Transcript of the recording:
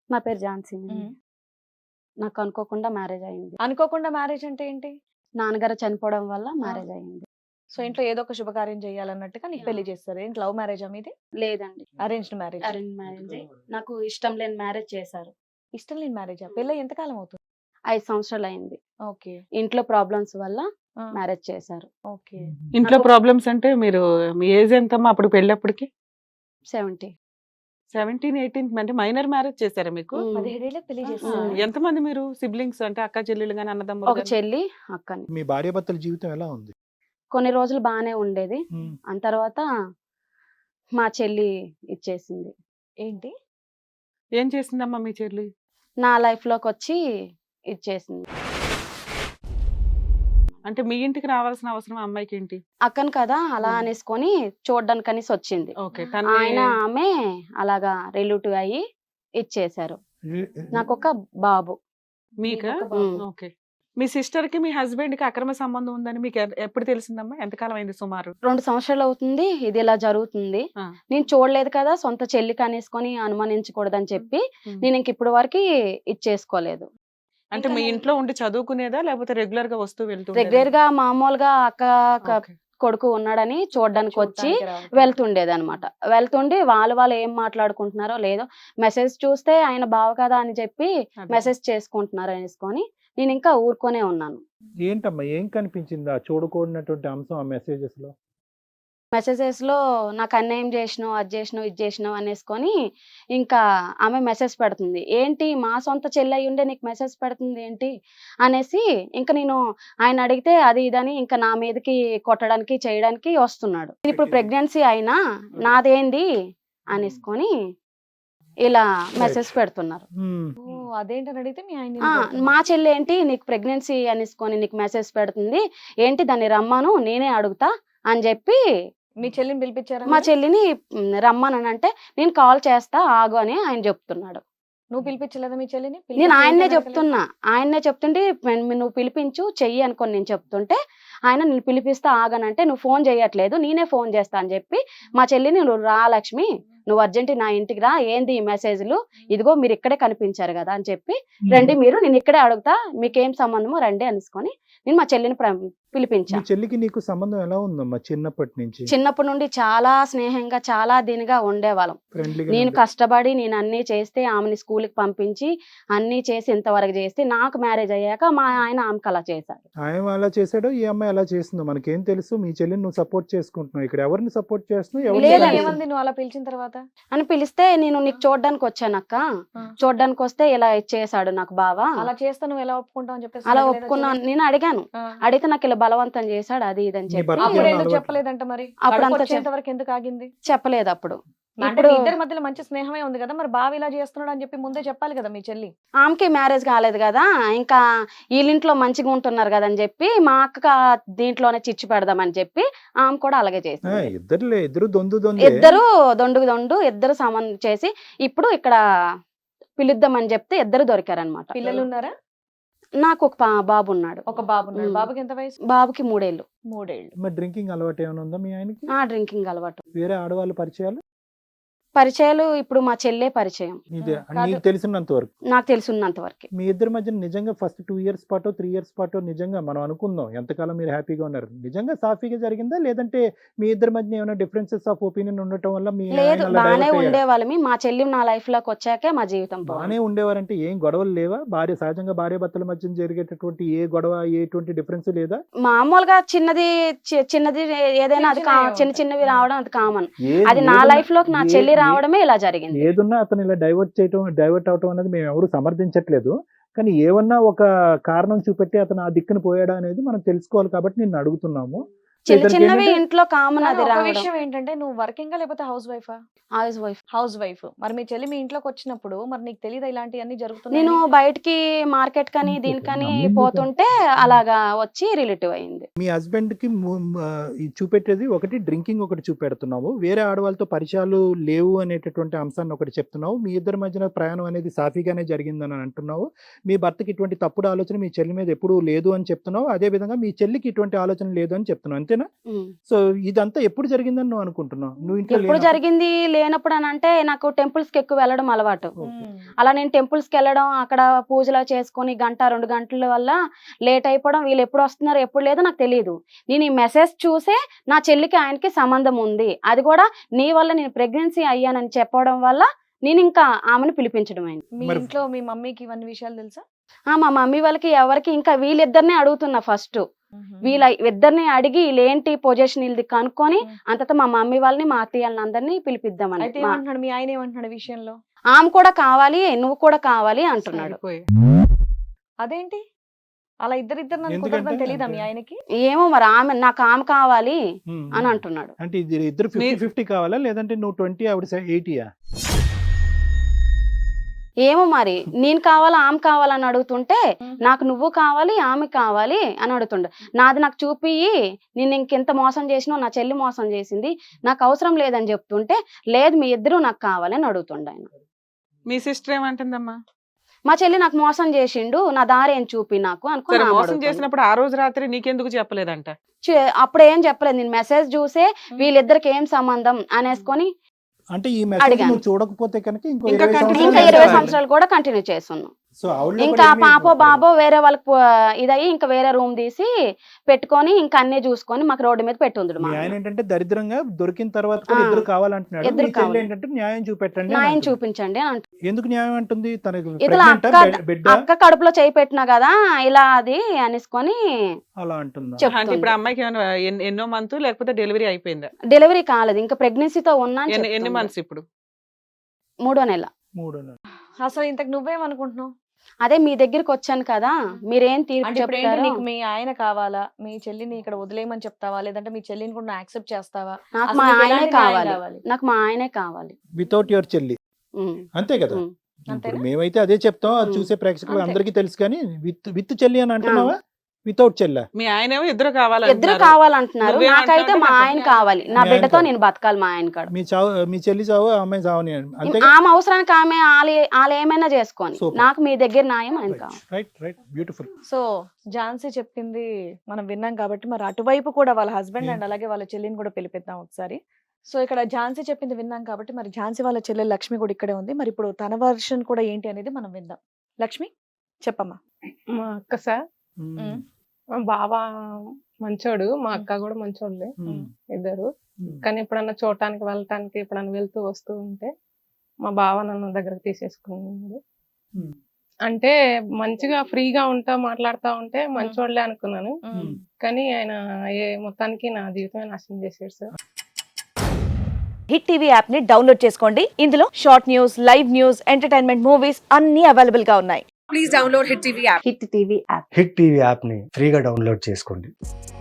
నా పేరు ఝాన్సీ అండి. హ్మ్. నాకు అనుకోకుండా మ్యారేజ్ అయింది. అనుకోకుండా మ్యారేజ్ అంటే ఏంటి? నాన్నగారు చనిపోవడం వల్ల మ్యారేజ్ అయింది. సో ఇంట్లో ఏదో ఒక శుభకార్యం చేయాలన్నట్టుగా నీకు పెళ్లి చేస్తారు. ఏంటి లవ్ మ్యారేజా మీది? లేదండి. Arranged marriage. అరేంజ్ మ్యారేజే. నాకు ఇష్టం లేని మ్యారేజ్ చేశారు. ఇష్టం లేని మ్యారేజా? పెళ్లై ఎంత కాలం అవుతుంది? 5 సంవత్సరాలు అయింది. ఓకే. ఇంట్లో ప్రాబ్లమ్స్ వల్ల ఆ! మ్యారేజ్ చేశారు. ఓకే. ఇంట్లో నాకు- ప్రాబ్లమ్స్ అంటే మీరు మీ ఏజ్ ఎంతమ్మా అప్పుడు పెళ్ళప్పటికి? 70. 17, 18 అంటే మైనర్ మ్యారేజ్ చేశారా మీకు? 17 ఏళ్ళకి పెళ్లి ఆ. చేస్తారు. ఎంతమంది మీరు సిబ్లింగ్స్ అంటే అక్క చెల్లెలు గాని అన్నదమ్ములు ఒక గాని? చెల్లి, అక్కని. మీ భార్యాభర్తల జీవితం ఎలా ఉంది? కొన్ని రోజులు బానే ఉండేది. ఉమ్. ఆ తర్వాత మా చెల్లి ఇచ్చేసింది. ఏంటి? ఏం చేసిందమ్మా మీ చెల్లి? నా లైఫ్ లోకి వచ్చి ఇచ్చేసింది. అంటే మీ ఇంటికి రావాల్సిన అవసరం ఆ అమ్మాయికి ఏంటి? అక్కను కదా అలా ఉమ్. అనేసుకొని చూడ్డానికి అనేసి వచ్చింది. ఓకే తను ఆయన ఆమె అలాగా రిలేటివ్ అయ్యి ఇచ్చేశారు. నాకు ఒక బాబు. మీకా? మీకు ఒక బాబు. ఉమ్. ఓకే. మీ సిస్టర్ కి మీ హస్బెండ్ కి అక్రమ సంబంధం ఉందని మీకు ఎప్పుడు తెలిసిందమ్మా? ఎంతకాలం అయింది సుమారు? 2 సంవత్సరాలు అవుతుంది ఇది ఇలా జరుగుతుంది. ఆ. నేను చూడలేదు కదా, సొంత చెల్లికి అనేసుకొని అనుమానించకూడదని చెప్పి ఉమ్. నేను ఇంక ఇప్పుడు వరకు ఇచ్చేసుకోలేదు. అంటే మీ ఇంట్లో ఉండి చదువుకునేదా లేకపోతే రెగ్యులర్ గా వస్తూ వెళ్తూ రెగ్యులర్ గా మామూలుగా కొడుకు ఉన్నాడని చూడడానికి వచ్చి చూడటానికి రావడం. వెళ్తుండేది అనమాట. వెళ్తుండి వాళ్ళు ఏం మాట్లాడుకుంటున్నారో లేదో మెసేజ్ చూస్తే ఆయన బావ కదా అని చెప్పి మెసేజ్ చేసుకుంటున్నారు అనేసుకొని నేను ఇంకా ఊరుకొనే ఉన్నాను. ఏంటమ్మా ఏం కనిపించింది ఆ చూడకూడనటువంటి అంశం ఆ మెసేజెస్ లో? మెసేజెస్ లో నాకు అన్యాయం చేసినావు, అది చేసినావు, ఇది చేసినావు అనేసుకొని ఇంకా ఆమె మెసేజ్ పెడుతుంది. ఏంటి మా సొంత చెల్లి అయి ఉండే నీకు మెసేజ్ పెడుతుంది ఏంటి అనేసి ఇంకా నేను ఆయన అడిగితే అది ఇదని ఇంకా నా మీదకి కొట్టడానికి చేయడానికి వస్తున్నాడు. ఇప్పుడు ప్రెగ్నెన్సీ అయినా నాదేంది అనేసుకొని ఇలా మెసేజ్ పెడుతున్నారు. ఉమ్. ఓ, అదేంటని అడిగితే మీ ఆయన ఆ, నిన్ను కొడుతున్నాడు. మా చెల్లి ఏంటి నీకు ప్రెగ్నెన్సీ అనేసుకొని నీకు మెసేజ్ పెడుతుంది ఏంటి, దాన్ని రమ్మను నేనే అడుగుతా అని చెప్పి మీ చెల్లిని పిలిపించారా మా మీరు? చెల్లిని రమ్మనంటే నేను కాల్ చేస్తా ఆగు అని ఆయన చెప్తున్నాడు. నువ్వు పిలిపించలేదా మీ చెల్లిని? నేను పిలిపించి ఆయన్నే ఏంటని చెప్తున్నా, ఆయన్నే చెప్తుంటే నువ్వు పిలిపించు చెయ్యి అనుకొని నేను చెప్తుంటే ఆయన నేను పిలిపిస్తా ఆగనంటే నువ్వు ఫోన్ చేయట్లేదు నేనే ఫోన్ చేస్తా అని చెప్పి మా చెల్లిని నువ్వు రా లక్ష్మి నువ్వు అర్జెంట్ నా ఇంటికి రా, ఏంది ఈ మెసేజ్లు, ఇదిగో మీరు ఇక్కడే కనిపించారు కదా అని చెప్పి రండి మీరు, నేను ఇక్కడే అడుగుతా మీకేం సంబంధమో రండి అనేసుకొని నేను మా చెల్లిని మీ పిలిపించా. చెల్లికి నీకు సంబంధం ఎలా ఉందమ్మా చిన్నప్పటి నుంచి? చిన్నప్పటి నుండి చాలా స్నేహంగా చాలా దీనిగా ఉండేవాళ్ళం. ఫ్రెండ్లీగా నేను కష్టపడి నేను అన్ని చేస్తే ఆమెని స్కూల్కి పంపించి అన్ని చేసి ఇంతవరకు చేస్తే నాకు మ్యారేజ్ అయ్యాక మా ఆయన ఆమెకు అలా చేశాడు. ఆయన అలా చేశాడో ఈ అమ్మాయి అలా చేస్తుందో మనకేం తెలుసు? మీ చెల్లిని నువ్వు సపోర్ట్ చేసుకుంటున్నావు, ఇక్కడ ఎవరిని సపోర్ట్ చేస్తున్నావు? ఎవరిని లేదండి. support ఏమంది నువ్వు అలా పిలిచిన తర్వాత? అని పిలిస్తే నేను నీకు చూడడానికి వచ్చానక్క, ఆ. చూడడానికి వస్తే ఇలా చేశాడు నాకు బావా, అలా చేస్తే నువ్వు ఎలా ఒప్పుకుంటావు అని చెప్పేసి అలా అడగలేదా ఒప్పుకున్నాను. చెల్లి? నేను అడిగాను, ఆ. అడిగితే నాకు ఇలా బలవంతం చేశాడు అది ఇది అని నీ చెప్పి భర్త అప్పుడు ఏమన్నా ఎందుకు అలవాటు? చెప్పలేదంట మరి? అప్పుడు అంతా వచ్చేంత వరకు ఎందుకు ఆగింది? చెప్పలేదు అప్పుడు. అంటే ఇప్పుడు మీ ఇద్దరి మధ్యలో మంచి స్నేహమే ఉంది కదా, మరి బావ ఇలా చేస్తున్నాడు అని చెప్పి ముందే చెప్పాలి కదా మీ చెల్లి. ఆమెకి మ్యారేజ్ కాలేదు కదా, ఇంకా వీళ్ళింట్లో మంచిగా ఉంటున్నారు కదా అని చెప్పి మా అక్క దీంట్లోనే చిచ్చు పెడదామని చెప్పి ఆమె కూడా అలాగే ఆ, చేసింది. ఇద్దరు దొందే. ఇద్దరు దొండు ఇద్దరు సంబంధం చేసి ఇప్పుడు ఇక్కడ పిలుద్దామని చెప్తే ఇద్దరు దొరికారనమాట. పిల్లలు ఉన్నారా? నాకు ఒక బాబు ఉన్నాడు. ఒక బాబు ఉన్నాడు. ఉమ్. బాబుకి ఎంత వయసు? బాబుకి 3 ఏళ్ళు. 3 ఏళ్ళు. మరి డ్రింకింగ్ అలవాటు ఏమైనా ఉందా మీ ఆయనకి? డ్రింకింగ్ అలవాటు. వేరే ఆడవాళ్ళ పరిచయాలు? పరిచయాలు ఇప్పుడు మా చెల్లె పరిచయం ఇదే కాదు. నీకు తెలిసినంత వరకు. నాకు తెలుసున్నంత వరకు. మీ ఇద్దరి మధ్య నిజంగా ఫస్ట్ 2 ఇయర్స్ పాటు 3 ఇయర్స్ పాటు నిజంగా మనం అనుకుందాం ఎంతకాలం మీరు హ్యాపీగా ఉన్నారు, నిజంగా సాఫీగా జరిగిందా లేదంటే మీ ఇద్దరి మధ్య ఏమైనా డిఫరెన్సెస్ ఆఫ్ ఒపీనియన్ ఉండటం వల్ల మీ లేదు, ఆయన అలా బానే divert అయ్యారా? ఉండేవాళ్ళమి. మా చెల్లి నా లైఫ్ లోకి వచ్చాకే మా జీవితం బానే బాగుంది. ఉండేవారంటే ఏం గొడవలు లేవా? సహజంగా భార్య భర్తల మధ్య జరిగేటటువంటి ఏ గొడవ ఎటువంటి డిఫరెన్స్ లేదా? మామూలుగా చిన్నది ఏదైనా అది చిన్నవి చిన్నవి ఉంటాయి. రావడం అది కామన్. ఏ- అది నా ఏదున్నా- లైఫ్ లోకి నా ఏ- చెల్లి ఏ- రావడమే ఇలా జరిగింది. ఏదున్నా అతను ఇలా డైవర్ట్ అవటం అనేది మేము ఎవరు సమర్థించట్లేదు, కానీ ఏమన్నా ఒక కారణం చూపెట్టి అతను ఆ దిక్కున పోయాడా అనేది మనం తెలుసుకోవాలి కాబట్టి నిన్ను అడుగుతున్నాము. ఇతనికి చిన్నవి ఏంటంటే- ఇంట్లో కామన్ కానీ అది ఒక రావడం. విషయం ఏంటంటే నువ్వు వర్కింగ్ లేకపోతే హౌస్ వైఫా? Housewife. Housewife. మరి మీ చెల్లి మీ ఇంట్లోకి వచ్చినప్పుడు మరి నీకు తెలియదా ఇలాంటివన్నీ జరుగుతున్నాయి? నేను బయటికి మార్కెట్ కని దీనికని నమ్మింది పోతుంటే అలాగా వచ్చి రిలేటివ్ అయింది. మీ హస్బెండ్ కి చూపెట్టేది ఒకటి డ్రింకింగ్ ఒకటి చూపెడుతున్నావు, వేరే ఆడవాళ్ళతో పరిచయాలు లేవు అనేటటువంటి అంశాన్ని ఒకటి చెప్తున్నావు, మీ ఇద్దరి మధ్యన ప్రయాణం అనేది సాఫీగానే జరిగిందని అంటున్నావు, మీ భర్తకి ఇటువంటి తప్పుడు ఆలోచన మీ చెల్లి మీద ఎప్పుడూ లేదు అని చెప్తున్నావు, అదే విధంగా మీ చెల్లికి ఇటువంటి ఆలోచన లేదు అని చెప్తున్నావు, అంతేనా? అంతేనా? ఉమ్. సో ఇదంతా ఎప్పుడు జరిగిందని నువ్వు అనుకుంటున్నావు? నువ్వు ఇంట్లో ఎప్పుడు లేనప్పుడు? జరిగింది లేనప్పుడు అని అంటే నాకు టెంపుల్స్ కి ఎక్కువ వెళ్ళడం అలవాటు. ఓకే. అలా నేను టెంపుల్స్ కి వెళ్ళడం, అక్కడ పూజలు చేసుకొని 1-2 గంటల వల్ల లేట్ అయిపోవడం, వీళ్ళు ఎప్పుడు వస్తున్నారు ఎప్పుడు లేదో నాకు తెలియదు. నేను ఈ మెసేజ్ చూసే నా చెల్లికి ఆయనకి సంబంధం ఉంది, అది కూడా నీ వల్ల నేను ప్రెగ్నెన్సీ అయ్యానని చెప్పడం వల్ల నేను ఇంకా ఆమెను పిలిపించడం అయింది. మీ మరి- ఇంట్లో మీ మమ్మీకి ఇవన్నీ విషయాలు తెలుసా? మా మమ్మీ వాళ్ళకి ఎవరికి ఇంకా వీళ్ళిద్దరినే అడుగుతున్నా ఫస్ట్. వీళ్ళ ఇద్దరిని అడిగి వీళ్ళేంటి పొజిషన్ వీళ్ళది కనుక్కొని అంతటా మా మమ్మీ వాళ్ళని మా అత్తయ్యని అందరినీ పిలిపిద్దామని. అయితే ఏమంటున్నాడు మీ ఆయన, ఏమంటున్నాడు ఈ విషయంలో? ఆమె కూడా కావాలి, నువ్వు కూడా కావాలి అంటున్నాడు. సరిపోయి. అదేంటి అలా ఇద్దరిద్దరు నన్ను ఎందుకంటే కుదరదని తెలీదా మీ అంటే- ఆయనకి? ఏమో మరి నాకు ఆమె కావాలి ఉమ్. అని అంటున్నాడు. అంటే ఇది ఇద్దరు 50-50 కావాలా, లేదంటే నువ్వు 20 ఆవిడ 80యా? ఏమో మరి నేను కావాలా ఆమె కావాలని అడుగుతుంటే నాకు నువ్వు కావాలి ఆమె కావాలి అని అడుగుతుండే. నాది నాకు చూపి నేను ఇంకెంత మోసం చేసినా నా చెల్లి మోసం చేసింది, నాకు అవసరం లేదని చెప్తుంటే లేదు మీ ఇద్దరు నాకు కావాలి అని అడుగుతుండే ఆయన. మీ సిస్టర్ ఏమంటుందమ్మా? మా చెల్లి నాకు మోసం చేసిండు, నా దారి ఏం చూపి నాకు అనుకుని సరే ఆమె మోసం అడుగుతుంది. చేసినప్పుడు ఆ రోజు రాత్రి నీకెందుకు చెప్పలేదంట? అప్పుడు ఏం చెప్పలేదు, నేను మెసేజ్ చూసే వీళ్ళిద్దరికి ఏం సంబంధం అనేసుకొని అంటే ఈ మెసేజ్ అడిగాను. నువ్వు చూడకపోతే కనుక ఇంకో ఇంకా 20 continue ఇంకా సంవత్సరాలు 20 చేసేవాళ్ళు. సంవత్సరాలు కూడా కంటిన్యూ చేస్తున్నాం. సో ఆవిడలో ఇంకా కూడా ఏమీ పాపో బాబో వేరే వాళ్ళకి ఇదయ్యి ఇంకా వేరే రూమ్ తీసి పెట్టుకొని ఇంకా అన్ని చూసుకొని మాకు రోడ్డు మీద పెట్టుండు. మీ ఆయన ఏంటంటే దరిద్రంగా దొరికిన తర్వాత కూడా ఇద్దరు కావాలంటున్నాడు. ఇద్దరు మీ చెల్లి కావాలి. ఏంటంటే న్యాయం చూపెట్టండి అని న్యాయం అంటుంది. చూపించండి అని అంటుంది. ఎందుకు న్యాయం అంటుంది? తనకి ఇతల pregnant ఆ, అక్క బిడ్డ అక్క కడుపులో చేయి పెట్టినా కదా ఇలా అది అనేసుకొని అలా అంటుందా? అంటే ఇప్పుడు చెప్తుంది. అమ్మాయికి ఏమైనా ఎన్నో మంత్ లేకపోతే డెలివరీ అయిపోయిందా? డెలివరీ కాలేదు, ఇంకా ప్రెగ్నెన్సీతో ఉన్నా అని ఎన్ని చెప్తుంది. మంత్స్ ఇప్పుడు? 3వ నెల. 3 నెలలు. అసలు ఇంతకు నువ్వేమనుకుంటున్నావు? అదే మీ దగ్గరికి వచ్చాను కదా, మీరేం తీర్పు అంటే ఇప్పుడు ఏంటి, చెప్తారో. నీకు మీ ఆయన కావాలా, మీ చెల్లిని ఇక్కడ వదిలేయమని చెప్తావా, లేదంటే మీ చెల్లిని కూడా యాక్సెప్ట్ చేస్తావా? నాకు అసలు మా నీకు ఆయనే ఎలాంటి న్యాయం కావాలి, కావాలి? నాకు మా ఆయనే కావాలి. వితౌట్ యువర్ చెల్లి ఉమ్, అంతే కదా? ఉమ్. ఇప్పుడు అంతేనా? మేమైతే అదే చెప్తాం, అది ఉమ్. చూసే ప్రేక్షకులు అంతే. అందరికీ తెలుసు. కానీ విత్ చెల్లి అని అంటున్నావా, వితౌట్ చెల్లి? మీ ఆయన ఏమో ఇద్దరు ఇద్దరు కావాలంటున్నారు. కావాలంటున్నారు, నువ్వేమంటావు నాకైతే అంటే మా నాకు ఆయన కావాలి, నా మీ బిడ్డతో ఆయన నేను బతకాలి మా ఆయన కాడ. మీ చెల్లి చావు, ఆ అమ్మాయి చావని అంతే. ఆమె అవసరానికి ఆమె వాళ్ళు ఏమైనా చేసుకొని Super. నాకు మీ దగ్గర న్యాయం ఆయన కావాలి. Right right beautiful. So Jhansi చెప్పింది మనం విన్నాం కాబట్టి మరి అటువైపు కూడా వాళ్ళ హస్బెండ్ అండ్ అలాగే వాళ్ళ చెల్లిని కూడా పిలిపిద్దాం ఒకసారి. సో ఇక్కడ ఝాన్సీ చెప్పింది విన్నాం కాబట్టి మరి ఝాన్సీ వాళ్ళ చెల్లె లక్ష్మి కూడా ఇక్కడే ఉంది. మరి ఇప్పుడు తన వర్షన్ కూడా ఏంటి అనేది మనం విందాం. లక్ష్మి చెప్పమ్మా. మా అక్క సార్, మా బావ మంచోడు, మా అక్క కూడా మంచోళ్ళే ఇద్దరు. కానీ ఎప్పుడన్నా చూడటానికి వెళ్ళటానికి ఎప్పుడన్నా వెళ్తూ వస్తూ ఉంటే మా బావ నన్ను దగ్గరకు తీసేసుకున్నాడు. అంటే మంచిగా ఫ్రీగా ఉంటా మాట్లాడుతా ఉంటే మంచోళ్ళే అనుకున్నాను, కానీ ఆయన మొత్తానికి నా జీవితమే నాశనం చేశాడు సార్. హిట్ టీవీ యాప్ ని డౌన్లోడ్ చేసుకోండి. ఇందులో short news, live news, entertainment movies అన్ని అవైలబుల్ గా ఉన్నాయి. హిట్ టీవీ యాప్ ని ఫ్రీగా డౌన్లోడ్ చేసుకోండి.